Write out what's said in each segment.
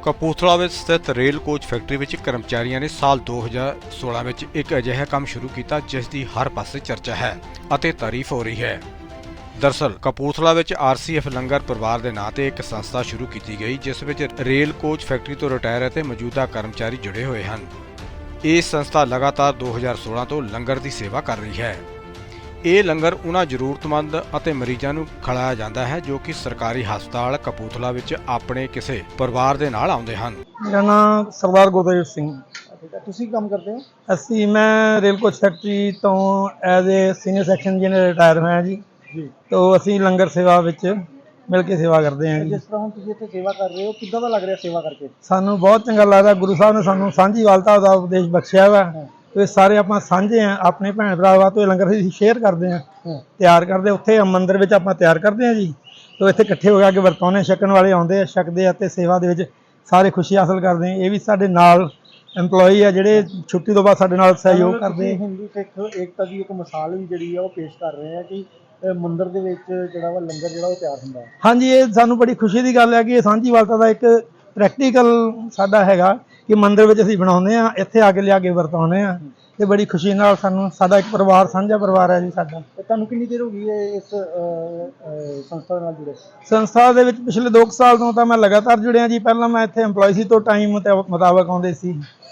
ਕਪੂਰਥਲਾ ਵਿੱਚ ਸਥਿਤ rail coach factory ਵਿੱਚ ਕਰਮਚਾਰੀਆਂ ਨੇ ਸਾਲ 2016 ਵਿੱਚ ਇੱਕ ਅਜਿਹਾ ਕੰਮ ਸ਼ੁਰੂ ਕੀਤਾ ਜਿਸ ਦੀ ਹਰ ਪਾਸੇ ਚਰਚਾ ਹੈ ਅਤੇ ਤਾਰੀਫ ਹੋ ਰਹੀ ਹੈ। ਦਰਅਸਲ ਕਪੂਰਥਲਾ ਵਿੱਚ ਆਰਸੀਐਫ ਲੰਗਰ ਪਰਿਵਾਰ ਦੇ ਨਾਂ ਤੇ ਇੱਕ ਸੰਸਥਾ ਸ਼ੁਰੂ ਕੀਤੀ ਗਈ ਜਿਸ ਵਿੱਚ ਰੇਲ ਕੋਚ ਫੈਕਟਰੀ ਤੋਂ ਰਿਟਾਇਰ ਅਤੇ ਮੌਜੂਦਾ ਕਰਮਚਾਰੀ ਜੁੜੇ ਹੋਏ ਹਨ। ਇਹ ਸੰਸਥਾ ਲਗਾਤਾਰ 2016 ਤੋਂ ਲੰਗਰ ਦੀ ਸੇਵਾ ਕਰ ਰਹੀ ਹੈ। ਇਹ ਲੰਗਰ ਉਹਨਾਂ ਜ਼ਰੂਰਤਮੰਦ ਅਤੇ ਮਰੀਜ਼ਾਂ ਨੂੰ ਖਿਲਾਇਆ ਜਾਂਦਾ ਹੈ ਜੋ ਕਿ ਸਰਕਾਰੀ ਹਸਪਤਾਲ ਕਪੂਰਥਲਾ ਵਿੱਚ ਆਪਣੇ ਕਿਸੇ ਪਰਿਵਾਰ ਦੇ ਨਾਲ ਆਉਂਦੇ ਹਨ। मेरा नाम सरदार गुरदेव सिंह। ਤੁਸੀਂ ਕੰਮ ਕਰਦੇ ਹੋ? ਅਸੀਂ ਮੈਂ ਰੇਲ ਕੋਚ ਫੈਕਟਰੀ ਤੋਂ as a senior section engineer retire ਹੋਇਆ ਜੀ। ਤੋਂ ਅਸੀਂ ਲੰਗਰ ਸੇਵਾ ਵਿੱਚ ਮਿਲ ਕੇ ਸੇਵਾ ਕਰਦੇ ਹਾਂ ਜੀ। ਜਿਸ ਤਰ੍ਹਾਂ ਹੁਣ ਤੁਸੀਂ ਇੱਥੇ ਸੇਵਾ ਕਰ ਰਹੇ ਹੋ, ਕਿੱਦਾਂ ਦਾ ਲੱਗ ਰਿਹਾ ਸੇਵਾ ਕਰਕੇ? ਸਾਨੂੰ ਬਹੁਤ ਚੰਗਾ ਲੱਗਦਾ। ਗੁਰੂ ਸਾਹਿਬ ਨੇ ਸਾਨੂੰ ਸਾਂਝੀਵਾਲਤਾ ਦਾ ਉਪਦੇਸ਼ ਬਖਸ਼ਿਆ ਵਾ। ਇਹ ਸਾਰੇ ਆਪਾਂ ਸਾਂਝੇ ਆ, ਆਪਣੇ ਭੈਣ ਭਰਾਵਾਂ ਤੋਂ ਇਹ ਲੰਗਰ ਅਸੀਂ ਸ਼ੇਅਰ ਕਰਦੇ ਹਾਂ, ਤਿਆਰ ਕਰਦੇ। ਉੱਥੇ ਮੰਦਿਰ ਵਿੱਚ ਆਪਾਂ ਤਿਆਰ ਕਰਦੇ ਹਾਂ ਜੀ। ਤੋਂ ਇੱਥੇ ਇਕੱਠੇ ਹੋ ਕੇ ਵਰਤਾਉਂਦੇ, ਛਕਣ ਵਾਲੇ ਆਉਂਦੇ ਆ, ਛਕਦੇ ਆ ਤੇ ਸੇਵਾ ਦੇ ਵਿੱਚ ਸਾਰੇ ਖੁਸ਼ੀ ਹਾਸਲ ਕਰਦੇ ਆ। ਇਹ ਵੀ ਸਾਡੇ ਨਾਲ EMPLOYEE ਆ ਜਿਹੜੇ ਛੁੱਟੀ ਤੋਂ ਬਾਅਦ ਸਾਡੇ ਨਾਲ ਸਹਿਯੋਗ ਕਰਦੇ। ਹਿੰਦੂ ਸਿੱਖ ਏਕਤਾ ਦੀ ਇੱਕ ਮਿਸਾਲ ਵੀ ਜਿਹੜੀ ਆ ਉਹ ਪੇਸ਼ ਕਰ ਰਹੇ ਆ ਕਿ ਮੰਦਿਰ ਦੇ ਵਿੱਚ ਜਿਹੜਾ ਵਾ ਲੰਗਰ ਜਿਹੜਾ ਉਹ ਤਿਆਰ ਹੁੰਦਾ ਹੈ। ਹਾਂਜੀ, ਇਹ ਸਾਨੂੰ ਬੜੀ ਖੁਸ਼ੀ ਦੀ ਗੱਲ ਹੈ ਕਿ ਇਹ ਸਾਂਝੀਵਾਲਤਾ ਦਾ ਇੱਕ ਪ੍ਰੈਕਟੀਕਲ ਸਾਡਾ ਹੈਗਾ ਕਿ ਮੰਦਿਰ ਵਿੱਚ ਅਸੀਂ ਬਣਾਉਂਦੇ ਆ, ਇੱਥੇ ਆ ਕੇ ਲਿਆ ਕੇ ਵਰਤਾਉਂਦੇ ਆ ਤੇ ਬੜੀ ਖੁਸ਼ੀ ਨਾਲ ਸਾਨੂੰ ਸਾਡਾ ਇੱਕ ਪਰਿਵਾਰ, ਸਾਂਝਾ ਪਰਿਵਾਰ ਹੈ ਜੀ ਸਾਡਾ। ਤੁਹਾਨੂੰ ਕਿੰਨੀ ਦੇਰ ਹੋ ਗਈ ਹੈ ਇਸ ਸੰਸਥਾ ਨਾਲ ਜੁੜੇ? ਸੰਸਥਾ ਦੇ ਵਿੱਚ ਪਿਛਲੇ 2 ਸਾਲ ਤੋਂ ਤਾਂ ਮੈਂ ਲਗਾਤਾਰ ਜੁੜਿਆ ਜੀ। ਪਹਿਲਾਂ ਮੈਂ ਇੱਥੇ EMPLOYEE ਸੀ ਤੋਂ ਟਾਈਮ ਮੁਤਾਬਕ ਆਉਂਦੇ ਸੀ।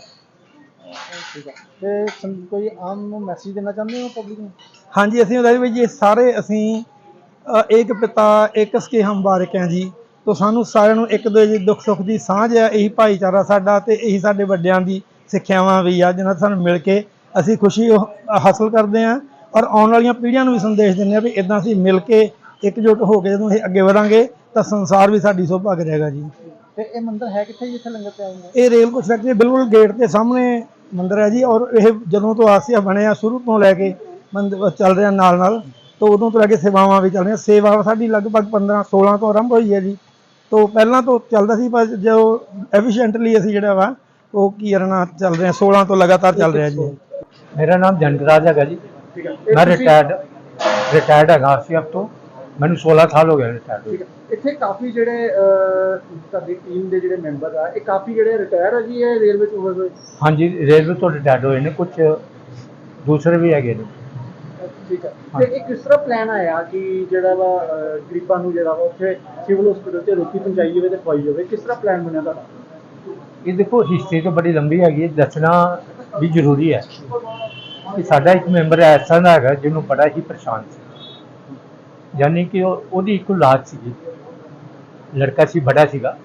ਠੀਕ ਹੈ, ਤੇ ਕੋਈ ਆਮ ਮੈਸੇਜ ਦੇਣਾ ਚਾਹੁੰਦੇ ਹੋ ਪਬਲਿਕ ਨੂੰ? ਹਾਂਜੀ, ਅਸੀਂ ਉਹਦਾ ਵੀ ਜੀ ਸਾਰੇ ਅਸੀਂ ਇੱਕ ਪਿਤਾ ਇੱਕ ਸਕੇ ਹਮ ਬਾਰਿਕ ਹੈ ਜੀ। ਤੋਂ ਸਾਨੂੰ ਸਾਰਿਆਂ ਨੂੰ ਇੱਕ ਦੂਜੇ ਦੀ ਦੁੱਖ ਸੁੱਖ ਦੀ ਸਾਂਝ ਹੈ। ਇਹੀ ਭਾਈਚਾਰਾ ਸਾਡਾ ਤੇ ਇਹੀ ਸਾਡੇ ਵੱਡਿਆਂ ਦੀ ਸਿੱਖਿਆਵਾਂ ਵੀ ਆ ਜਿਹਨਾਂ ਸਾਨੂੰ ਮਿਲ ਕੇ ਅਸੀਂ ਖੁਸ਼ੀ ਹਾਸਲ ਕਰਦੇ ਹਾਂ ਔਰ ਆਉਣ ਵਾਲੀਆਂ ਪੀੜ੍ਹੀਆਂ ਨੂੰ ਵੀ ਸੰਦੇਸ਼ ਦਿੰਦੇ ਹਾਂ ਵੀ ਇੱਦਾਂ ਅਸੀਂ ਮਿਲ ਕੇ ਇਕਜੁੱਟ ਹੋ ਕੇ ਜਦੋਂ ਅਸੀਂ ਅੱਗੇ ਵਧਾਂਗੇ ਤਾਂ ਸੰਸਾਰ ਵੀ ਸਾਡੀ ਸੋਭਾ ਕਰੇਗਾ ਜੀ। ਤੇ ਇਹ ਮੰਦਿਰ ਹੈ ਕਿੱਥੇ ਜਿੱਥੇ ਲੰਗਰ ਤਿਆਰ ਹੁੰਦਾ? ਇਹ ਰੇਲ ਕੋਚ ਫੈਕਟਰੀ ਬਿਲਕੁਲ ਗੇਟ ਦੇ ਸਾਹਮਣੇ ਮੰਦਿਰ ਹੈ ਜੀ। ਔਰ ਇਹ ਜਦੋਂ ਤੋਂ ਆਸਿਆ ਬਣਿਆ ਸ਼ੁਰੂ ਤੋਂ ਲੈ ਕੇ ਮੰਦਿਰ ਚੱਲ ਰਿਹਾ ਨਾਲ ਤੋਂ ਉਦੋਂ ਤੋਂ ਲੈ ਕੇ ਸੇਵਾਵਾਂ ਵੀ ਚੱਲ ਰਹੀਆਂ। ਸੇਵਾ ਸਾਡੀ ਲਗਭਗ 15-16 ਤੋਂ ਆਰੰਭ ਹੋਈ ਹੈ ਜੀ। ਤੋਂ ਪਹਿਲਾਂ ਤੋਂ ਚੱਲਦਾ ਸੀ ਪਰ ਜੋ ਐਫੀਸ਼ੀਐਂਟਲੀ ਅਸੀਂ ਜਿਹੜਾ ਵਾ ਉਹ ਕੀ ਕਰਨਾ ਚੱਲ ਰਿਹਾ 16 ਤੋਂ ਲਗਾਤਾਰ ਚੱਲ ਰਿਹਾ ਜੀ। मेरा नाम जनकराज है जी। मैं रिटायर्ड है आरसीएफ तो मैंने 16 साल हो गए रिटायर्ड। ਇੱਥੇ ਕਾਫੀ ਜਿਹੜੇ ਤੁਹਾਡੀ ਟੀਮ ਦੇ ਜਿਹੜੇ ਮੈਂਬਰ ਆ ਇਹ ਕਾਫੀ ਜਿਹੜੇ ਰਿਟਾਇਰ ਆ ਜੀ ਇਹ ਰੇਲਵੇ ਤੋਂ ਹੋਏ? हाँ जी, रेलवे तो रिटायर्ड हुए ने, कुछ दूसरे भी है। ਠੀਕ ਹੈ, ਤੇ ਇਹ ਕਿਸ ਤਰ੍ਹਾਂ ਪਲਾਨ ਆਇਆ ਕਿ ਜਿਹੜਾ ਵਾ ਗਰੀਬਾਂ ਨੂੰ ਜਿਹੜਾ ਵਾ ਉੱਥੇ ਸਿਵਲ ਹਸਪੀਟਲ 'ਚ ਰੋਟੀ ਪਹੁੰਚਾਈ ਜਾਵੇ ਤੇ ਖਵਾਈ ਜਾਵੇ? ਕਿਸ ਤਰ੍ਹਾਂ ਪਲਾਨ ਬਣਿਆ ਤੁਹਾਡਾ? ये देखो हिस्ट्री तो बड़ी लंबी हैगी, दसना भी जरूरी है कि साडा एक मैंबर ऐसा दा हैगा जिन्हों बड़ा ही परेशान सी, यानी कि ओदी एक औलाद सी, लड़का सी, बड़ा सीगा,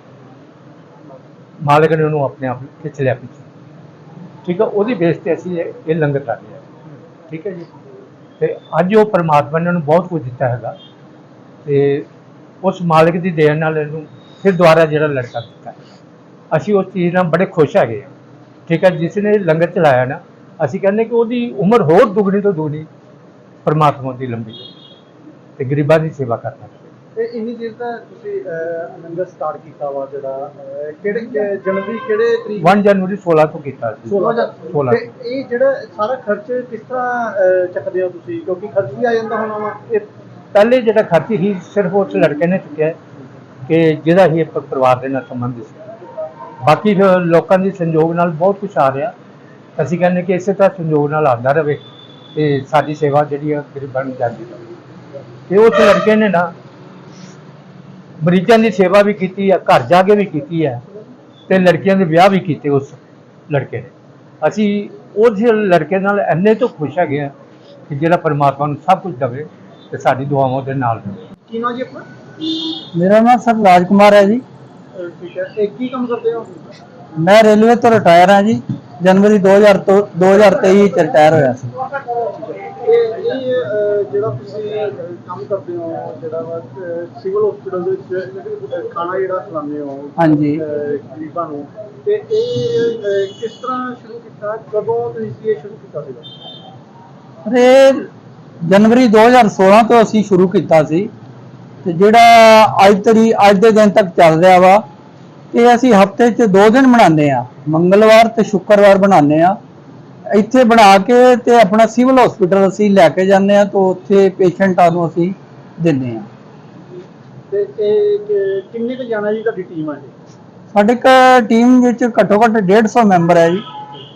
मालिक ने उन्होंने अपने आप खिंच लिया पीछे। ठीक है, ओदी बेस ते असीं ये लंगर कर रहे हैं। ठीक है जी, ते अज वो परमात्मा ने उन्होंने बहुत कुछ दिता हैगा ते उस मालिक की देन नाल इहनूं फिर दोबारा जिहड़ा लड़का दिता है, ਅਸੀਂ ਉਸ ਚੀਜ਼ ਨਾਲ ਬੜੇ ਖੁਸ਼ ਹੈਗੇ ਹਾਂ। ਠੀਕ ਹੈ, ਜਿਸ ਨੇ ਲੰਗਰ ਚਲਾਇਆ ਨਾ, ਅਸੀਂ ਕਹਿੰਦੇ ਕਿ ਉਹਦੀ ਉਮਰ ਹੋਰ ਦੁੱਗਣੀ ਤੋਂ ਦੁੱਗਣੀ ਪਰਮਾਤਮਾ ਦੀ ਲੰਬੀ ਤੇ ਗਰੀਬਾਂ ਦੀ ਸੇਵਾ ਕਰਨਾ। ਤੇ ਇੰਨੀ ਦੇਰ ਤਾਂ ਤੁਸੀਂ ਲੰਗਰ ਸਟਾਰਟ ਕੀਤਾ ਵਾ ਜਿਹੜਾ ਕਿਹੜੇ ਜਨਵਰੀ ਕਿਹੜੇ ਤਰੀਕ? 1 ਜਨਵਰੀ 16 ਤੋਂ ਕੀਤਾ ਸੀ। 16 ਤੇ ਇਹ ਜਿਹੜਾ ਸਾਰਾ ਖਰਚ ਕਿਸ ਤਰ੍ਹਾਂ ਚੱਕਦੇ ਹੋ ਤੁਸੀਂ? ਕਿਉਂਕਿ ਖਰਚ ਵੀ ਆ ਜਾਂਦਾ ਹੋਣਾ ਵਾ। ਇਹ ਪਹਿਲੇ ਜਿਹੜਾ ਖਰਚ ਹੀ ਸਿਰਫ ਉਸ ਲੜਕੇ ਨੇ ਚੁੱਕਿਆ ਕਿ ਜਿਹਦਾ ਹੀ ਪਰਿਵਾਰ ਦੇ ਨਾਲ ਸੰਬੰਧ ਸੀ। ਬਾਕੀ ਲੋਕਾਂ ਦੀ ਸੰਯੋਗ ਨਾਲ ਬਹੁਤ ਕੁਛ ਆ ਰਿਹਾ। ਅਸੀਂ ਕਹਿੰਦੇ ਕਿ ਇਸੇ ਤਰ੍ਹਾਂ ਸੰਯੋਗ ਨਾਲ ਆਉਂਦਾ ਰਹੇ ਤੇ ਸਾਡੀ ਸੇਵਾ ਜਿਹੜੀ ਆ ਗਰੀਬਾਂ ਨੂੰ ਜਾਂਦੀ ਰਹੇ। ਤੇ ਉਸ ਲੜਕੇ ਨੇ ਨਾ ਮਰੀਜ਼ਾਂ ਦੀ ਸੇਵਾ ਵੀ ਕੀਤੀ ਹੈ, ਘਰ ਜਾ ਕੇ ਵੀ ਕੀਤੀ ਹੈ ਤੇ ਲੜਕੀਆਂ ਦੇ ਵਿਆਹ ਵੀ ਕੀਤੇ ਉਸ ਲੜਕੇ ਨੇ। ਅਸੀਂ ਉਸ ਲੜਕੇ ਨਾਲ ਇੰਨੇ ਤੋਂ ਖੁਸ਼ ਹੈਗੇ ਹਾਂ ਕਿ ਜਿਹੜਾ ਪਰਮਾਤਮਾ ਨੂੰ ਸਭ ਕੁਝ ਦੇਵੇ ਤੇ ਸਾਡੀ ਦੁਆਵਾਂ ਦੇ ਨਾਲ ਦੇਵੇ। ਕੀ ਨਾਮ ਜੀ ਆਪਣਾ? ਮੇਰਾ ਨਾਮ ਸਰ ਰਾਜਕੁਮਾਰ ਹੈ ਜੀ। ਠੀਕ ਹੈ, ਤੇ ਕੀ ਕੰਮ ਕਰਦੇ ਹੋ? ਮੈਂ ਰੇਲਵੇ ਤੋਂ ਰਿਟਾਇਰ ਹਾਂ ਜੀ। ਜਨਵਰੀ 2023 ਚ ਰਿਟਾਇਰ ਹੋਇਆ ਸੀ। ਇਹ ਜਿਹੜਾ ਤੁਸੀਂ ਕੰਮ ਕਰਦੇ ਹੋ ਜਿਹੜਾ ਵਾ ਸਿਵਲ ਹਸਪੀਟਲ ਦੇ ਵਿੱਚ ਖਾਣਾ ਜਿਹੜਾ ਖਿਲਾਉਂਦੇ ਹੋ ਹਾਂਜੀ ਗਰੀਬਾਂ ਨੂੰ, ਤੇ ਇਹ ਕਿਸ ਤਰ੍ਹਾਂ ਸ਼ੁਰੂ ਕੀਤਾ? ਕਦੋਂ ਤੁਸੀਂ ਇਹ ਸ਼ੁਰੂ ਕੀਤਾ ਸੀਗਾ? ਇਹ ਜਨਵਰੀ 2016 ਤੋਂ ਅਸੀਂ ਸ਼ੁਰੂ ਕੀਤਾ ਸੀ ਤੇ ਜਿਹੜਾ ਅੱਜ ਦੇ ਦਿਨ ਤੱਕ ਚੱਲ ਰਿਹਾ ਵਾ। ਇਹ ਅਸੀਂ ਹਫਤੇ 'ਚ 2 ਦਿਨ ਬਣਾਉਂਦੇ ਆ, ਮੰਗਲਵਾਰ ਤੇ ਸ਼ੁੱਕਰਵਾਰ ਬਣਾਉਂਦੇ ਆ। ਇੱਥੇ ਬਣਾ ਕੇ ਤੇ ਆਪਣਾ ਸਿਵਲ ਹਸਪੀਟਲ ਅਸੀਂ ਲੈ ਕੇ ਜਾਂਦੇ ਆ ਤੋਂ ਉੱਥੇ ਪੇਸ਼ੈਂਟਾਂ ਨੂੰ ਅਸੀਂ ਦਿੰਦੇ ਆ। ਤੇ ਇਹ ਕਿੰਨੇ ਕੁ ਜਾਣਾ ਜੀ ਤੁਹਾਡੀ ਟੀਮ ਆ? ਸਾਡੇ ਇੱਕ ਟੀਮ ਵਿੱਚ ਘੱਟੋ ਘੱਟ 150 ਮੈਂਬਰ ਹੈ ਜੀ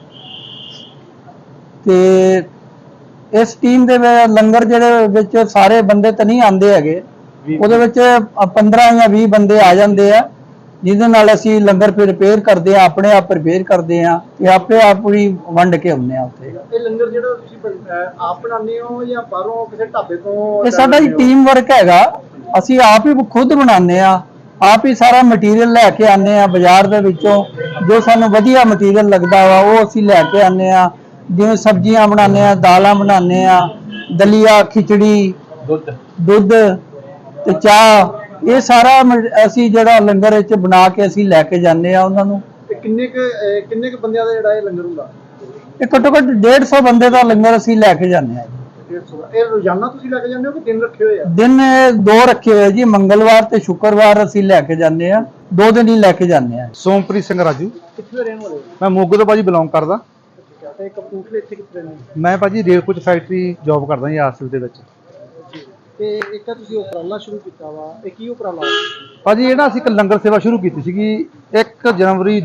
ਤੇ ਇਸ ਟੀਮ ਦੇ ਲੰਗਰ ਜਿਹੜੇ ਵਿੱਚ ਸਾਰੇ ਬੰਦੇ ਤਾਂ ਨਹੀਂ ਆਉਂਦੇ ਹੈਗੇ, ਉਹਦੇ ਵਿੱਚ 15 ਜਾਂ 20 ਬੰਦੇ ਆ ਜਾਂਦੇ ਆ, ਜਿਹਦੇ ਨਾਲ ਅਸੀਂ ਲੰਗਰ ਪ੍ਰਪੇਅਰ ਕਰਦੇ ਆ, ਆਪਣੇ ਆਪ ਪ੍ਰਪੇਅਰ ਕਰਦੇ ਆ ਤੇ ਆਪੇ ਆਪ ਹੀ ਵੰਡ ਕੇ ਆਉਂਦੇ ਆ ਉੱਥੇ। ਇਹ ਲੰਗਰ ਜਿਹੜਾ ਤੁਸੀਂ ਆਪ ਬਣਾਉਂਦੇ ਹੋ ਜਾਂ ਬਾਹਰੋਂ ਕਿਸੇ ਢਾਬੇ ਤੋਂ? ਇਹ ਸਾਡਾ ਹੀ ਟੀਮ ਵਰਕ ਹੈਗਾ, ਅਸੀਂ ਆਪ ਹੀ ਖੁਦ ਬਣਾਉਂਦੇ ਆ, ਆਪ ਹੀ ਸਾਰਾ ਮਟੀਰੀਅਲ ਲੈ ਕੇ ਆਉਂਦੇ ਆ ਬਾਜ਼ਾਰ ਦੇ ਵਿੱਚੋਂ, ਜੋ ਸਾਨੂੰ ਵਧੀਆ ਮਟੀਰੀਅਲ ਲੱਗਦਾ ਵਾ ਉਹ ਅਸੀਂ ਲੈ ਕੇ ਆਉਂਦੇ ਆ, ਜਿਵੇਂ ਸਬਜ਼ੀਆਂ ਬਣਾਉਂਦੇ ਆ, ਦਾਲਾਂ ਬਣਾਉਂਦੇ ਆ, ਦਲੀਆ, ਖਿਚੜੀ, ਦੁੱਧ ਤੇ ਚਾਹ, ਇਹ ਸਾਰਾ ਅਸੀਂ ਜਿਹੜਾ ਲੰਗਰ ਵਿੱਚ ਬਣਾ ਕੇ ਅਸੀਂ ਲੈ ਕੇ ਜਾਂਦੇ ਆ ਉਹਨਾਂ ਨੂੰ। ਤੇ ਕਿੰਨੇ ਕੁ ਬੰਦਿਆਂ ਦਾ ਜਿਹੜਾ ਇਹ ਲੰਗਰ ਹੁੰਦਾ? ਇਹ ਘੱਟੋ ਘੱਟ 150 ਬੰਦੇ ਦਾ ਲੰਗਰ ਅਸੀਂ ਲੈ ਕੇ ਜਾਂਦੇ ਆ। 150 ਇਹ ਰੋਜ਼ਾਨਾ ਤੁਸੀਂ ਲੈ ਕੇ ਜਾਂਦੇ ਹੋ ਕਿ ਦਿਨ ਰੱਖੇ ਹੋਏ ਆ? ਦਿਨ 2 ਰੱਖੇ ਹੋਏ ਜੀ, ਮੰਗਲਵਾਰ ਤੇ ਸ਼ੁੱਕਰਵਾਰ ਅਸੀਂ ਲੈ ਕੇ ਜਾਂਦੇ ਆ, 2 ਦਿਨ ਹੀ ਲੈ ਕੇ ਜਾਂਦੇ ਆ। ਸੋਮਪ੍ਰੀਤ ਸਿੰਘ ਰਾਜੂ, ਕਿੱਥੇ ਦੇ ਰਹਿਣ ਵਾਲੇ ਹੋ? ਮੈਂ ਮੋਗੇ ਤੋਂ ਭਾਜੀ ਬਿਲੋਂਗ ਕਰਦਾ। ਠੀਕ ਹੈ, ਤੇ ਕਪੂਰਥਲੇ ਇੱਥੇ ਕਿੱਥੇ ਰਹਿੰਦੇ ਹੋ? ਮੈਂ ਭਾਜੀ ਰੇਲ ਕੋਚ ਫੈਕਟਰੀ ਜੌਬ ਕਰਦਾ ਜੀ ਆਰਸੀਬੀ ਦੇ ਵਿੱਚ। ਤੇ ਇੱਕ ਤਾਂ ਤੁਸੀਂ ਉਪਰਾਲਾ ਸ਼ੁਰੂ ਕੀਤਾ ਵਾ, ਇਹ ਕੀ ਉਪਰਾਲਾ? ਭਾਜੀ ਇਹ ਨਾ ਅਸੀਂ ਇੱਕ ਲੰਗਰ ਸੇਵਾ ਸ਼ੁਰੂ ਕੀਤੀ ਸੀਗੀ 1 ਜਨਵਰੀ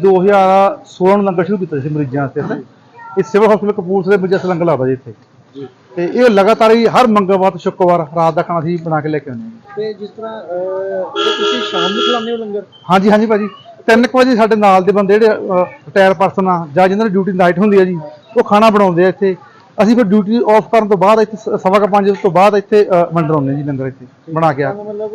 2016 ਨੂੰ ਲੰਗਰ ਸ਼ੁਰੂ ਕੀਤਾ ਸੀ ਮਰੀਜ਼ਾਂ ਵਾਸਤੇ। ਇਹ ਸਿਵਲ ਹਸਪੀਟਲ ਕਪੂਰਥਲੇ ਵਿੱਚ ਅਸੀਂ ਲੰਗਰ ਲਾਉਂਦਾ ਜੀ ਇੱਥੇ, ਤੇ ਇਹ ਲਗਾਤਾਰ ਹੀ ਹਰ ਮੰਗਲਵਾਰ ਤੇ ਸ਼ੁੱਕਰਵਾਰ ਰਾਤ ਦਾ ਖਾਣਾ ਅਸੀਂ ਬਣਾ ਕੇ ਲੈ ਕੇ ਆਉਂਦੇ ਹਾਂ। ਤੇ ਜਿਸ ਤਰ੍ਹਾਂ ਇਹ ਤੁਸੀਂ ਸ਼ਾਮ ਨੂੰ ਖਿਲਾਉਂਦੇ ਹੋ ਲੰਗਰ? ਹਾਂਜੀ ਹਾਂਜੀ ਭਾਜੀ, 3 ਵਜੇ ਸਾਡੇ ਨਾਲ ਦੇ ਬੰਦੇ ਜਿਹੜੇ ਰਿਟਾਇਰ ਪਰਸਨ ਆ ਜਾਂ ਜਿਹਨਾਂ ਦੀ ਡਿਊਟੀ ਨਾਈਟ ਹੁੰਦੀ ਆ ਜੀ, ਉਹ ਖਾਣਾ ਬਣਾਉਂਦੇ ਆ ਇੱਥੇ। ਅਸੀਂ ਫਿਰ ਡਿਊਟੀ ਆਫ ਕਰਨ ਤੋਂ ਬਾਅਦ ਇੱਥੇ 5:15 ਤੋਂ ਬਾਅਦ ਇੱਥੇ ਵੰਡਾਉਂਦੇ ਜੀ ਲੰਗਰ ਇੱਥੇ ਬਣਾ ਕੇ ਆ। ਮਤਲਬ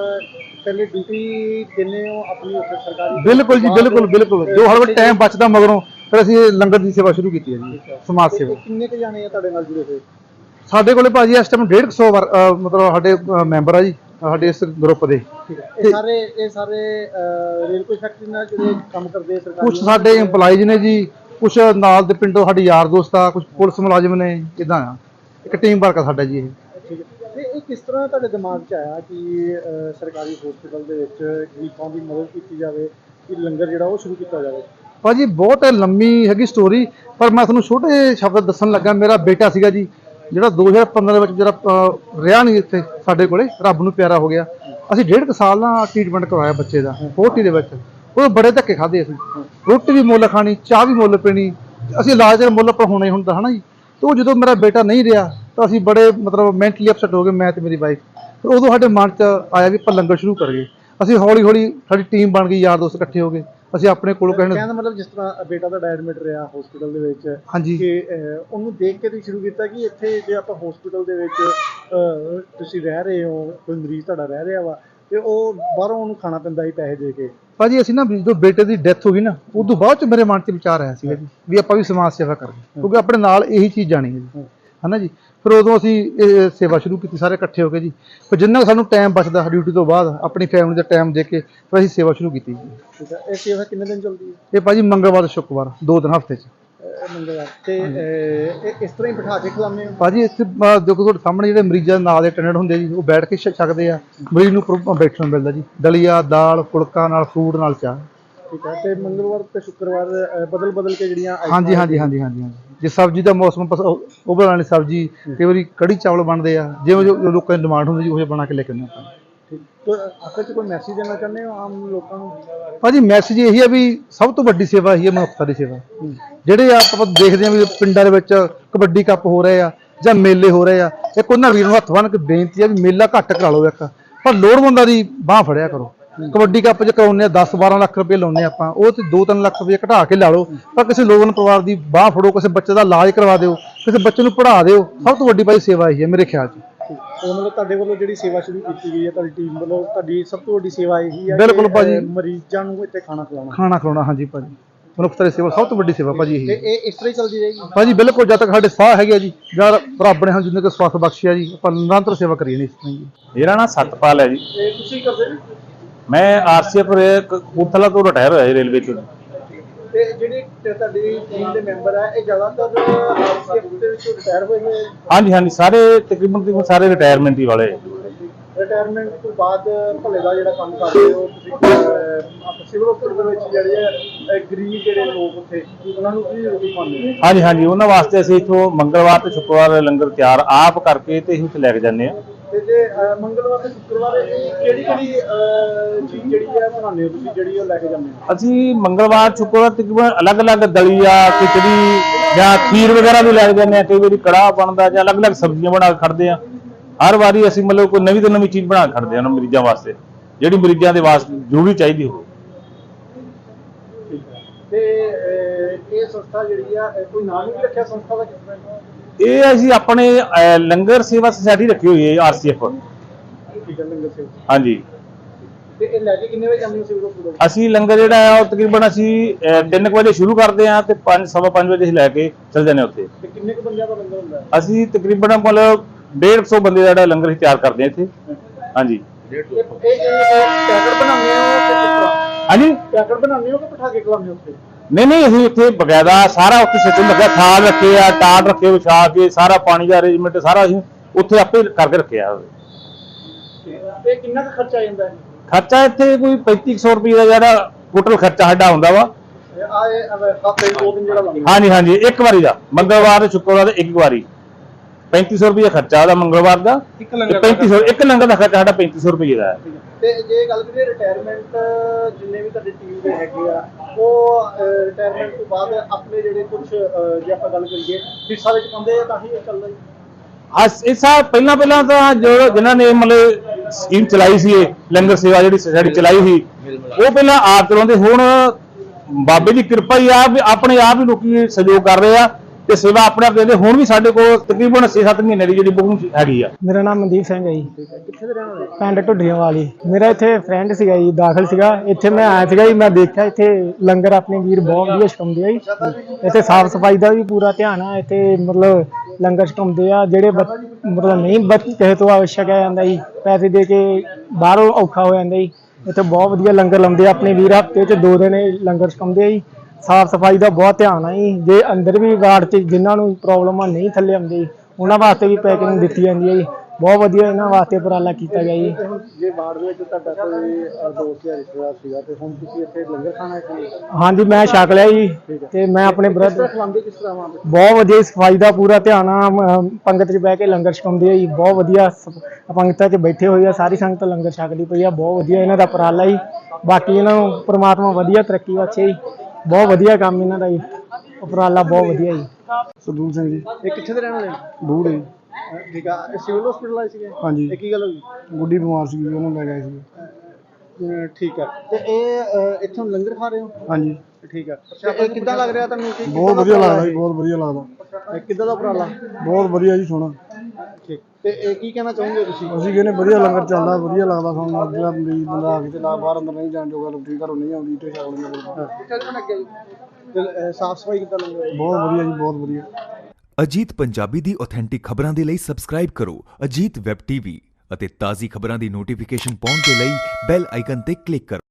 ਪਹਿਲੇ ਡਿਊਟੀ ਦਿੰਦੇ ਹੋ ਆਪਣੀ ਉੱਥੇ ਸਰਕਾਰੀ? ਬਿਲਕੁਲ ਜੀ, ਬਿਲਕੁਲ ਬਿਲਕੁਲ, ਜੋ ਹਰ ਵਾਰ ਟਾਈਮ ਬਚਦਾ ਮਗਰੋਂ ਫਿਰ ਅਸੀਂ ਇਹ ਲੰਗਰ ਦੀ ਸੇਵਾ ਸ਼ੁਰੂ ਕੀਤੀ ਹੈ ਜੀ, ਸਮਾਜ ਸੇਵਾ। ਕਿੰਨੇ ਕੁ ਜਾਣੇ ਆ ਤੁਹਾਡੇ ਨਾਲ ਜੁੜੇ ਹੋਏ? ਸਾਡੇ ਕੋਲੇ ਭਾਜੀ ਇਸ ਟਾਈਮ 150 ਮਤਲਬ ਸਾਡੇ ਮੈਂਬਰ ਆ ਜੀ ਸਾਡੇ ਇਸ ਗਰੁੱਪ ਦੇ। ਠੀਕ ਹੈ, ਇਹ ਸਾਰੇ ਰੇਲ ਕੋਈ ਫੈਕਟਰੀ ਨਾਲ ਜਿਹੜੇ ਕੰਮ ਕਰਦੇ ਆ ਸਰਕਾਰੀ? ਕੁਝ ਸਾਡੇ EMPLOYEES ਨੇ ਜੀ, ਕੁਝ ਨਾਲ ਦੇ ਪਿੰਡੋਂ ਸਾਡੇ ਯਾਰ ਦੋਸਤ ਆ, ਕੁਝ ਪੁਲਿਸ ਮੁਲਾਜ਼ਮ ਨੇ, ਇਦਾਂ ਆ, ਇੱਕ ਟੀਮ ਵਰਕ ਆ ਸਾਡਾ ਜੀ ਇਹ। ਠੀਕ ਹੈ, ਤੇ ਇਹ ਕਿਸ ਤਰ੍ਹਾਂ ਤੁਹਾਡੇ ਦਿਮਾਗ 'ਚ ਆਇਆ ਕਿ ਸਰਕਾਰੀ ਹਸਪੀਟਲ ਦੇ ਵਿੱਚ ਗਰੀਬਾਂ ਦੀ ਮਦਦ ਕੀਤੀ ਜਾਵੇ, ਕਿ ਲੰਗਰ ਜਿਹੜਾ ਉਹ ਸ਼ੁਰੂ ਕੀਤਾ ਜਾਵੇ? ਭਾਜੀ ਬਹੁਤ ਲੰਮੀ ਹੈਗੀ ਸਟੋਰੀ, ਪਰ ਮੈਂ ਤੁਹਾਨੂੰ ਛੋਟੇ ਸ਼ਬਦ ਦੱਸਣ ਲੱਗਾ। ਮੇਰਾ ਬੇਟਾ ਸੀਗਾ ਜੀ ਜਿਹੜਾ 2015 ਦੇ ਵਿੱਚ ਜਿਹੜਾ ਰਿਹਾ ਨਹੀਂ ਇੱਥੇ ਸਾਡੇ ਕੋਲੇ, ਰੱਬ ਨੂੰ ਪਿਆਰਾ ਹੋ ਗਿਆ। ਅਸੀਂ 1.5 ਸਾਲ ਨਾਲ ਟ੍ਰੀਟਮੈਂਟ ਕਰਵਾਇਆ ਬੱਚੇ ਦਾ ਫੋਰਟੀ ਦੇ ਵਿੱਚ। ਉਹ ਬੜੇ ਧੱਕੇ ਖਾਦੇ, ਅਸੀਂ ਰੋਟੀ ਵੀ ਮੁੱਲ ਖਾਣੀ, ਚਾਹ ਵੀ ਮੁੱਲ ਪੀਣੀ, ਅਸੀਂ ਇਲਾਜ ਦੇ ਮੁੱਲ ਪਰ ਹੋਣਾ ਹੀ ਹੁੰਦਾ ਹੈ ਨਾ ਜੀ। ਤੇ ਉਹ ਜਦੋਂ ਮੇਰਾ ਬੇਟਾ ਨਹੀਂ ਰਿਹਾ ਤਾਂ ਅਸੀਂ ਬੜੇ ਮਤਲਬ ਮੈਂਟਲੀ ਅਪਸੈਟ ਹੋ ਗਏ, ਮੈਂ ਤੇ ਮੇਰੀ ਵਾਈਫ। ਫਿਰ ਉਦੋਂ ਸਾਡੇ ਮਨ 'ਚ ਆਇਆ ਵੀ ਆਪਾਂ ਲੰਗਰ ਸ਼ੁਰੂ ਕਰੀਏ। ਅਸੀਂ ਹੌਲੀ ਹੌਲੀ ਸਾਡੀ ਟੀਮ ਬਣ ਗਈ, ਯਾਰ ਦੋਸਤ ਇਕੱਠੇ ਹੋ ਗਏ। ਅਸੀਂ ਆਪਣੇ ਕੋਲੋਂ ਕਹਿਣ ਦਾ ਮਤਲਬ ਜਿਸ ਤਰ੍ਹਾਂ ਬੇਟਾ ਤੁਹਾਡਾ ਐਡਮਿਟ ਰਿਹਾ ਹਸਪੀਟਲ ਦੇ ਵਿੱਚ, ਹਾਂਜੀ, ਕਿ ਉਹਨੂੰ ਦੇਖ ਕੇ ਤੁਸੀਂ ਸ਼ੁਰੂ ਕੀਤਾ ਕਿ ਇੱਥੇ ਜੇ ਆਪਾਂ ਹਸਪੀਟਲ ਦੇ ਵਿੱਚ ਤੁਸੀਂ ਰਹਿ ਰਹੇ ਹੋ, ਕੋਈ ਮਰੀਜ਼ ਤੁਹਾਡਾ ਰਹਿ ਰਿਹਾ ਵਾ, ਤੇ ਉਹ ਬਾਹਰੋਂ ਉਹਨੂੰ ਖਾਣਾ ਪੈਂਦਾ ਸੀ ਪੈਸੇ ਦੇ ਕੇ। ਭਾਜੀ ਅਸੀਂ ਨਾ ਜਦੋਂ ਬੇਟੇ ਦੀ ਡੈਥ ਹੋ ਗਈ ਨਾ, ਉਦੋਂ ਬਾਅਦ 'ਚ ਮੇਰੇ ਮਨ 'ਚ ਵਿਚਾਰ ਆਇਆ ਸੀਗਾ ਜੀ ਵੀ ਆਪਾਂ ਵੀ ਸਮਾਜ ਸੇਵਾ ਕਰੀਏ, ਕਿਉਂਕਿ ਆਪਣੇ ਨਾਲ ਇਹੀ ਚੀਜ਼ ਜਾਣੀ ਹੈ ਜੀ, ਹੈ ਨਾ ਜੀ। ਫਿਰ ਉਦੋਂ ਅਸੀਂ ਇਹ ਸੇਵਾ ਸ਼ੁਰੂ ਕੀਤੀ ਸਾਰੇ ਇਕੱਠੇ ਹੋ ਕੇ ਜੀ। ਫਿਰ ਜਿੰਨਾ ਸਾਨੂੰ ਟਾਈਮ ਬਚਦਾ ਡਿਊਟੀ ਤੋਂ ਬਾਅਦ ਆਪਣੀ ਫੈਮਿਲੀ ਦਾ ਟਾਈਮ ਦੇ ਕੇ ਫਿਰ ਅਸੀਂ ਸੇਵਾ ਸ਼ੁਰੂ ਕੀਤੀ ਜੀ। ਠੀਕ ਹੈ, ਇਹ ਸੇਵਾ ਕਿੰਨੇ ਦਿਨ ਚੱਲਦੀ ਹੈ? ਇਹ ਭਾਜੀ ਮੰਗਲਵਾਰ ਤੇ ਸ਼ੁੱਕਰਵਾਰ 2 ਦਿਨ ਹਫ਼ਤੇ 'ਚ। ਮੰਗਲਵਾਰ ਤੇ ਇਸ ਤਰ੍ਹਾਂ ਹੀ ਬਿਠਾ ਕੇ ਖਿਲਾਉਂਦੇ ਹੋ? ਭਾਜੀ ਇੱਥੇ ਦੇਖੋ ਤੁਹਾਡੇ ਸਾਹਮਣੇ ਜਿਹੜੇ ਮਰੀਜ਼ਾਂ ਨਾਲ ਦੇ ਅਟੈਂਡੈਂਟ ਹੁੰਦੇ ਜੀ, ਉਹ ਬੈਠ ਕੇ ਛਕਦੇ ਆ। ਮਰੀਜ਼ ਨੂੰ ਬੈਠਣ ਨੂੰ ਮਿਲਦਾ ਜੀ, ਦਲੀਆ, ਦਾਲ, ਫੁਲਕਾ ਨਾਲ ਫਰੂਟ ਨਾਲ ਚਾਹ। ਠੀਕ ਹੈ, ਤੇ ਮੰਗਲਵਾਰ ਤੇ ਸ਼ੁੱਕਰਵਾਰ ਬਦਲ ਕੇ ਜਿਹੜੀਆਂ ਹਾਂਜੀ ਹਾਂਜੀ ਹਾਂਜੀ ਹਾਂਜੀ ਹਾਂਜੀ। ਜੇ ਸਬਜ਼ੀ ਦਾ ਮੌਸਮ ਉਹ ਬਣਾਉਣ ਵਾਲੀ ਸਬਜ਼ੀ, ਕਈ ਵਾਰੀ ਕੜੀ ਚਾਵਲ ਬਣਦੇ ਆ, ਜਿਵੇਂ ਜੋ ਲੋਕਾਂ ਦੀ ਡਿਮਾਂਡ ਹੁੰਦੀ ਜੀ ਉਹ ਬਣਾ ਕੇ ਲੈ ਕੇ ਆਉਂਦੇ ਆਪਾਂ। ਠੀਕ, ਤੇ ਆਖਰ 'ਚ ਕੋਈ ਮੈਸੇਜ ਦੇਣਾ ਚਾਹੁੰਦੇ ਹੋ ਆਮ ਲੋਕਾਂ ਨੂੰ? ਭਾਜੀ ਮੈਸੇਜ ਇਹੀ ਆ ਵੀ ਸਭ ਤੋਂ ਵੱਡੀ ਸੇਵਾ ਇਹੀ ਹੈ, ਮਨੁੱਖਤਾ ਦੀ ਸੇਵਾ। ਜਿਹੜੇ ਆਪਾਂ ਦੇਖਦੇ ਆ ਵੀ ਪਿੰਡਾਂ ਦੇ ਵਿੱਚ ਕਬੱਡੀ ਕੱਪ ਹੋ ਰਹੇ ਆ ਜਾਂ ਮੇਲੇ ਹੋ ਰਹੇ ਆ, ਇੱਕ ਉਹਨਾਂ ਵੀਰ ਨੂੰ ਹੱਥ ਬੰਨ੍ਹ ਕੇ ਬੇਨਤੀ ਆ ਵੀ ਮੇਲਾ ਘੱਟ ਕਰਾ ਲਓ ਇੱਕ, ਪਰ ਲੋੜਵੰਦਾਂ ਦੀ ਬਾਂਹ ਫੜਿਆ ਕਰੋ। ਕਬੱਡੀ ਕੱਪ 'ਚ ਕਰਾਉਂਦੇ ਆ 10-12 ਲੱਖ ਰੁਪਏ ਲਾਉਂਦੇ ਆਪਾਂ, ਉਹ ਤੇ 2-3 ਲੱਖ ਰੁਪਏ ਘਟਾ ਕੇ ਲਾ ਲਓ, ਪਰ ਕਿਸੇ ਲੋੜਵੰਦ ਪਰਿਵਾਰ ਦੀ ਬਾਂਹ ਫੜੋ, ਕਿਸੇ ਬੱਚੇ ਦਾ ਇਲਾਜ ਕਰਵਾ ਦਿਓ, ਕਿਸੇ ਬੱਚੇ ਨੂੰ ਪੜ੍ਹਾ ਦਿਓ। ਸਭ ਤੋਂ ਵੱਡੀ ਭਾਈ ਸੇਵਾ ਇਹੀ ਹੈ ਮੇਰੇ ਖਿਆਲ 'ਚ। ਉਹ ਮਤਲਬ ਤੁਹਾਡੇ ਵੱਲੋਂ ਜਿਹੜੀ ਸੇਵਾ ਸ਼ੁਰੂ ਕੀਤੀ ਗਈ ਹੈ, ਤੁਹਾਡੀ ਟੀਮ ਵੱਲੋਂ, ਤੁਹਾਡੀ ਸਭ ਤੋਂ ਵੱਡੀ ਸੇਵਾ ਇਹੀ ਹੈ? ਬਿਲਕੁਲ ਭਾਜੀ, ਮਰੀਜ਼ਾਂ ਨੂੰ ਇੱਥੇ ਖਾਣਾ ਖਿਲਾਉਣਾ। ਹਾਂਜੀ ਭਾਜੀ, ਮਨੁੱਖਤਾ ਦੀ ਸੇਵਾ ਸਭ ਤੋਂ ਵੱਡੀ ਸੇਵਾ ਭਾਜੀ ਇਹੀ। ਇਹ ਇਸ ਤਰ੍ਹਾਂ ਹੀ ਚੱਲਦੀ ਰਹੇਗੀ ਭਾਜੀ? ਬਿਲਕੁਲ, ਜਦ ਤੱਕ ਸਾਡੇ ਸਾਹ ਹੈਗੇ ਜੀ, ਜਾਂ ਰੱਬ ਨੇ ਜਿੰਨੇ ਕੁ ਸਵਾਸ ਬਖਸ਼ਿਆ ਜੀ, ਆਪਾਂ ਨਿਰੰਤਰ ਸੇਵਾ ਕਰੀਏ ਨਹੀਂ ਜੀ। ਮੇਰਾ ਨਾਮ ਸਤਪਾਲ ਹੈ ਜੀ। ਇਹ ਤੁਸੀਂ ਕਰਦੇ ਨੇ? ਮੈਂ ਆਰਸੀਐਫ ਕਪੂਰਥਲਾ ਤੋਂ ਰਿਟਾਇਰ ਹੋਇਆ ਜੀ, ਰੇਲਵੇ ਤੋਂ। ਤੇ ਜਿਹੜੇ ਤੁਹਾਡੀ ਟੀਮ ਦੇ ਮੈਂਬਰ ਆ, ਇਹ ਜ਼ਿਆਦਾਤਰ ਆਰਸੀਐਫ ਦੇ ਵਿੱਚੋਂ ਰਿਟਾਇਰ ਹੋਏ ਨੇ? ਹਾਂਜੀ ਹਾਂਜੀ, ਸਾਰੇ ਤਕਰੀਬਨ ਸਾਰੇ ਰਿਟਾਇਰਮੈਂਟ ਹੀ ਵਾਲੇ। ਰਿਟਾਇਰਮੈਂਟ ਤੋਂ ਬਾਅਦ ਭਲੇ ਦਾ ਜਿਹੜਾ ਕੰਮ ਕਰਦੇ ਹੋ ਤੁਸੀਂ, ਸਿਵਲ ਹਸਪਤਾਲ ਦੇ ਵਿੱਚ ਜਿਹੜੇ ਆ ਗਰੀਬ ਜਿਹੜੇ ਲੋਕ ਉੱਥੇ, ਉਹਨਾਂ ਨੂੰ ਕੀ ਰੋਟੀ ਪਾਉਂਦੇ? ਹਾਂਜੀ ਹਾਂਜੀ, ਉਹਨਾਂ ਵਾਸਤੇ ਅਸੀਂ ਇੱਥੋਂ ਮੰਗਲਵਾਰ ਤੇ ਸ਼ੁੱਕਰਵਾਰ ਲੰਗਰ ਤਿਆਰ ਆਪ ਕਰਕੇ ਤੇ ਅਸੀਂ ਉੱਥੇ ਲੈ ਕੇ ਜਾਂਦੇ ਹਾਂ। ਤੇ ਜੇ ਮੰਗਲਵਾਰ ਤੇ ਸ਼ੁੱਕਰਵਾਰ ਇਹ ਕਿਹੜੀ ਚੀਜ਼ ਜਿਹੜੀ ਹੈ ਬਣਾਉਂਦੇ ਹੋ ਤੁਸੀਂ ਜਿਹੜੀ ਉਹ ਲੈ ਕੇ ਜਾਂਦੇ ਹੋ? ਅਸੀਂ ਮੰਗਲਵਾਰ ਸ਼ੁੱਕਰਵਾਰ ਤਕਰੀਬਨ ਅਲੱਗ-ਅਲੱਗ ਦਲੀਆ ਖਿਚੜੀ ਜਾਂ ਖੀਰ ਵਗੈਰਾ ਵੀ ਲੈ ਕੇ ਜਾਂਦੇ ਆ। ਕਈ ਵਾਰੀ ਕੜਾਹ ਬਣਦਾ ਜਾਂ ਅਲੱਗ-ਅਲੱਗ ਸਬਜ਼ੀਆਂ ਬਣਾ ਕੇ ਖੜਦੇ ਆ। ਹਰ ਵਾਰੀ ਅਸੀਂ ਮਤਲਬ ਕੋਈ ਨਵੀਂ ਤੋਂ ਨਵੀਂ ਚੀਜ਼ ਬਣਾ ਕੇ ਖੜਦੇ ਆ ਉਹਨਾਂ ਮਰੀਜ਼ਾਂ ਵਾਸਤੇ, ਜਿਹੜੀ ਮਰੀਜ਼ਾਂ ਦੇ ਵਾਸਤੇ ਜ਼ਰੂਰੀ ਚਾਹੀਦੀ ਹੋਵੇ। ਤੇ ਇਹ ਸੰਸਥਾ ਜਿਹੜੀ ਆ ਕੋਈ ਨਾਮ ਵੀ ਰੱਖਿਆ ਸੰਸਥਾ ਦਾ? ਇਹ ਅਸੀਂ ਆਪਣੇ ਲੰਗਰ ਸੇਵਾ ਸੁਸਾਇਟੀ ਰੱਖੀ ਹੋਈ ਹੈ RCF। ਠੀਕ ਹੈ, ਲੰਗਰ ਸੇਵਾ। ਹਾਂਜੀ, ਤੇ ਇਹ ਲੈ ਕੇ ਕਿੰਨੇ ਵਜੇ ਜਾਂਦੇ ਹੋ ਸਿਵਲ ਹਸਪਤਾਲ? ਅਸੀਂ ਲੰਗਰ ਜਿਹੜਾ ਹੈ ਉਹ ਤਕਰੀਬਨ ਅਸੀਂ 3 ਵਜੇ ਸ਼ੁਰੂ ਕਰਦੇ ਹਾਂ ਤੇ 5:15 ਵਜੇ ਅਸੀਂ ਲੈ ਕੇ ਚੱਲ ਜਾਂਦੇ ਹਾਂ ਉੱਥੇ। ਤੇ ਕਿੰਨੇ ਕੁ ਬੰਦਿਆਂ ਦਾ ਲੰਗਰ ਹੁੰਦਾ ਹੈ? ਅਸੀਂ ਤਕਰੀਬਨ ਮਤਲਬ 150 ਬੰਦੇ ਦਾ ਜਿਹੜਾ ਲੰਗਰ ਅਸੀਂ ਤਿਆਰ ਕਰਦੇ ਹਾਂ ਇੱਥੇ। ਹਾਂਜੀ। ਇਹ ਪੈਕਟ ਬਣਾਉਂਦੇ ਹੋ ਕਿ ਕਿਸ ਤਰ੍ਹਾਂ? ਹਾਂਜੀ, ਪੈਕਟ ਬਣਾਉਂਦੇ ਹੋ ਕਿ ਬਿਠਾ ਕੇ ਖਵਾਉਂਦੇ ਹੋ ਉੱਥੇ? ਨਹੀਂ ਅਸੀਂ ਉੱਥੇ ਬਕਾਇਦਾ ਸਾਰਾ ਉੱਥੇ ਸਿਸਟਮ ਲੱਗਿਆ, ਥਾਲ ਰੱਖੇ ਆ, ਟਾਟ ਰੱਖੇ ਵਿਛਾ ਕੇ, ਸਾਰਾ ਪਾਣੀ ਦਾ ਅਰੇਂਜਮੈਂਟ ਸਾਰਾ ਅਸੀਂ ਉੱਥੇ ਆਪੇ ਕਰਕੇ ਰੱਖਿਆ। ਤੇ ਕਿੰਨਾ ਕੁ ਖਰਚਾ ਆ ਜਾਂਦਾ ਹੈ? ਖਰਚਾ ਇੱਥੇ ਕੋਈ 3500 ਰੁਪਏ ਦਾ ਜਿਹੜਾ ਟੋਟਲ ਖਰਚਾ ਸਾਡਾ ਹੁੰਦਾ ਵਾ। ਹਫ਼ਤੇ 2 ਦਿਨ ਜਿਹੜਾ ਲੱਗਦਾ? ਹਾਂਜੀ, ਇੱਕ ਵਾਰੀ ਦਾ, ਮੰਗਲਵਾਰ ਤੇ ਸ਼ੁੱਕਰਵਾਰ ਦਾ ਇੱਕ ਵਾਰੀ 3500 ਰੁਪਏ ਖਰਚਾ ਉਹਦਾ ਮੰਗਲਵਾਰ ਦਾ। 3500 ਇੱਕ ਲੰਗਰ ਦਾ ਖਰਚਾ ਸਾਡਾ 3500 ਰੁਪਏ ਦਾ ਹੈ। ਤੇ ਜੇ ਗੱਲ ਕਰੀਏ ਰਿਟਾਇਰਮੈਂਟ, ਜਿੰਨੇ ਵੀ ਤੁਹਾਡੀ ਟੀਮ ਦੇ ਹੈਗੇ ਆ ਉਹ ਰਿਟਾਇਰਮੈਂਟ ਤੋਂ ਬਾਅਦ ਆਪਣੇ ਜਿਹੜੇ ਕੁਝ ਜੇ ਆਪਾਂ ਗੱਲ ਕਰੀਏ ਹਿੱਸਾ ਵਿੱਚ ਪਾਉਂਦੇ ਆ ਤਾਂ ਹੀ ਇਹ ਚੱਲਦਾ ਜੀ। ਇਸ ਪਹਿਲਾਂ ਤਾਂ ਜੋ ਜਿਨ੍ਹਾਂ ਨੇ ਮਤਲਬ ਸਕੀਮ ਚਲਾਈ ਸੀ, ਇਹ ਲੰਗਰ ਸੇਵਾ ਜਿਹੜੀ ਸੁਸਾਇਟੀ ਚਲਾਈ ਸੀ, ਉਹ ਪਹਿਲਾਂ ਆਪ ਚਲਾਉਂਦੇ। ਹੁਣ ਬਾਬੇ ਦੀ ਕਿਰਪਾ ਹੀ ਆ ਵੀ ਆਪਣੇ ਆਪ ਹੀ ਲੋਕੀ ਸਹਿਯੋਗ ਕਰ ਰਹੇ ਆ ਤੇ ਸੇਵਾ ਆਪਣੇ ਆਪ ਦਿੰਦੇ। ਹੁਣ ਵੀ ਸਾਡੇ ਕੋਲ ਤਕਰੀਬਨ 6-7 ਮਹੀਨੇ ਦੀ ਜਿਹੜੀ ਬੁਕਿੰਗ ਹੈਗੀ ਆ। ਮੇਰਾ ਨਾਮ ਮਨਦੀਪ ਸਿੰਘ ਹੈ ਜੀ, ਕਿੱਥੇ ਦੇ ਰਹਿਣ ਵਾਲੇ? ਪਿੰਡ ਢੁੱਡੀਆਂ ਵਾਲੀ। ਮੇਰਾ ਇੱਥੇ ਫਰੈਂਡ ਸੀਗਾ ਜੀ, ਦਾਖਲ ਸੀਗਾ ਇੱਥੇ। ਮੈਂ ਆਇਆ ਸੀਗਾ ਜੀ, ਮੈਂ ਦੇਖਿਆ ਇੱਥੇ ਲੰਗਰ ਆਪਣੇ ਵੀਰ ਬਹੁਤ ਵਧੀਆ ਛਕਾਉਂਦੇ ਆ ਜੀ। ਇੱਥੇ ਸਾਫ਼ ਸਫਾਈ ਦਾ ਵੀ ਪੂਰਾ ਧਿਆਨ ਆ। ਇੱਥੇ ਮਤਲਬ ਲੰਗਰ ਛਕਾਉਂਦੇ ਆ ਜਿਹੜੇ ਮਤਲਬ ਨਹੀਂ ਕਿਸੇ ਤੋਂ ਛਕਿਆ ਜਾਂਦਾ ਜੀ, ਪੈਸੇ ਦੇ ਕੇ ਬਾਹਰੋਂ ਔਖਾ ਹੋ ਜਾਂਦਾ ਜੀ। ਇੱਥੇ ਬਹੁਤ ਵਧੀਆ ਲੰਗਰ ਲਾਉਂਦੇ ਆ ਆਪਣੇ ਵੀਰ। ਹਫ਼ਤੇ 'ਚ 2 ਦਿਨ ਲੰਗਰ ਛਕਾਉਂਦੇ ਆ ਜੀ। ਸਾਫ਼ ਸਫਾਈ ਦਾ ਬਹੁਤ ਧਿਆਨ ਆ ਜੀ। ਜੇ ਅੰਦਰ ਵੀ ਵਾਰਡ 'ਚ ਜਿਨ੍ਹਾਂ ਨੂੰ ਪ੍ਰੋਬਲਮ ਆ ਨਹੀਂ ਥੱਲੇ ਆਉਂਦੇ ਜੀ, ਉਹਨਾਂ ਵਾਸਤੇ ਵੀ ਪੈਕਿੰਗ ਦਿੱਤੀ ਜਾਂਦੀ ਹੈ ਜੀ। ਬਹੁਤ ਵਧੀਆ ਇਹਨਾਂ ਵਾਸਤੇ ਉਪਰਾਲਾ ਕੀਤਾ ਗਿਆ ਜੀ। ਜੇ ਵਾਰਡ ਦੇ ਵਿੱਚ ਤੁਹਾਡਾ ਕੋਈ ਦੋਸਤ ਜਾਂ ਰਿਸ਼ਤੇਦਾਰ ਸੀਗਾ ਤੇ ਹੁਣ ਤੁਸੀਂ ਇੱਥੇ ਲੰਗਰ ਖਾਣਾ ਹੈ? ਹਾਂਜੀ, ਮੈਂ ਛਕ ਲਿਆ ਜੀ ਤੇ ਮੈਂ ਆਪਣੇ ਬ੍ਰਦਰ ਖਵਾਉਂਦੇ ਕਿਸ ਤਰ੍ਹਾਂ ਵਾਂ? ਬਹੁਤ ਵਧੀਆ ਸਫਾਈ ਦਾ ਪੂਰਾ ਧਿਆਨ ਆ। ਪੰਗਤ 'ਚ ਬਹਿ ਕੇ ਲੰਗਰ ਛਕਾਉਂਦੇ ਆ ਜੀ। ਬਹੁਤ ਵਧੀਆ ਪੰਗਤਾਂ 'ਚ ਬੈਠੇ ਹੋਏ ਆ, ਸਾਰੀ ਸੰਗਤ ਲੰਗਰ ਛਕਦੀ ਪਈ ਆ। ਬਹੁਤ ਵਧੀਆ ਇਹਨਾਂ ਦਾ ਉਪਰਾਲਾ ਜੀ। ਬਾਕੀ ਇਹਨਾਂ ਨੂੰ ਪ੍ਰਮਾਤਮਾ ਵਧੀਆ ਤਰੱਕੀ ਬਖਸ਼ੇ ਜੀ। ਬਹੁਤ ਵਧੀਆ ਕੰਮ ਇਹਨਾਂ ਦਾ ਜੀ, ਉਪਰਾਲਾ ਬਹੁਤ ਵਧੀਆ ਜੀ। ਸਰਦੂਲ ਸਿੰਘ ਜੀ। ਇਹ ਕਿੱਥੇ ਦੇ ਰਹਿਣ ਵਾਲੇ? ਬੂੜੇ। ਠੀਕ ਆ। ਇਹ ਸਿਵਲ ਹਸਪੀਟਲ ਆਏ ਸੀਗੇ? ਹਾਂਜੀ। ਇਹ ਕੀ ਗੱਲ ਹੋਈ? ਗੁੱਡੀ ਬਿਮਾਰ ਸੀ, ਉਹਨੂੰ ਲੈ ਗਏ ਸੀ। ਠੀਕ ਆ। ਤੇ ਇਹ ਇੱਥੋਂ ਲੰਗਰ ਖਾ ਰਹੇ ਹੋ? ਹਾਂਜੀ। ਠੀਕ ਆ। ਇਹ ਕਿੱਦਾਂ ਲੱਗ ਰਿਹਾ ਤੁਹਾਨੂੰ? ਬਹੁਤ ਵਧੀਆ ਲੱਗਦਾ ਜੀ, ਬਹੁਤ ਵਧੀਆ ਲੱਗਦਾ। ਕਿੱਦਾਂ ਦਾ ਉਪਰਾਲਾ? ਬਹੁਤ ਵਧੀਆ ਜੀ, ਸੋਹਣਾ। ਠੀਕ। ਤੇ ਇਹ ਕੀ ਕਹਿਣਾ ਚਾਹੋਗੇ ਤੁਸੀਂ? ਅਸੀਂ ਕਹਿੰਦੇ ਵਧੀਆ ਲੰਗਰ ਚੱਲਦਾ, ਵਧੀਆ ਲੱਗਦਾ ਸਾਨੂੰ। ਜਿਹੜਾ ਮਰੀਜ਼ ਬੰਦਾ ਆ ਕੇ ਤੇ ਨਾ ਬਾਹਰ ਅੰਦਰ ਨਹੀਂ ਜਾਣ ਜੋਗਾ, ਲੋਕੀ ਘਰੋਂ ਨਹੀਂ ਆਉਂਦੀ ਤੇ ਛਕ ਲੈਂਦੇ। ਤੇ ਸਾਫ ਸਫਾਈ ਕਿੱਦਾਂ ਲੰਗਰ? ਬਹੁਤ ਵਧੀਆ ਜੀ, ਬਹੁਤ ਵਧੀਆ। ਅਜੀਤ ਪੰਜਾਬੀ ਦੀ ਆਥੈਂਟਿਕ ਖਬਰਾਂ ਦੇ ਲਈ ਸਬਸਕ੍ਰਾਈਬ ਕਰੋ ਅਜੀਤ ਵੈਬ ਟੀਵੀ ਅਤੇ ਤਾਜ਼ੀ ਖਬਰਾਂ ਦੀ ਨੋਟੀਫਿਕੇਸ਼ਨ ਪਾਉਣ ਦੇ ਲਈ ਬੈਲ ਆਈਕਨ ਤੇ ਕਲਿੱਕ ਕਰੋ।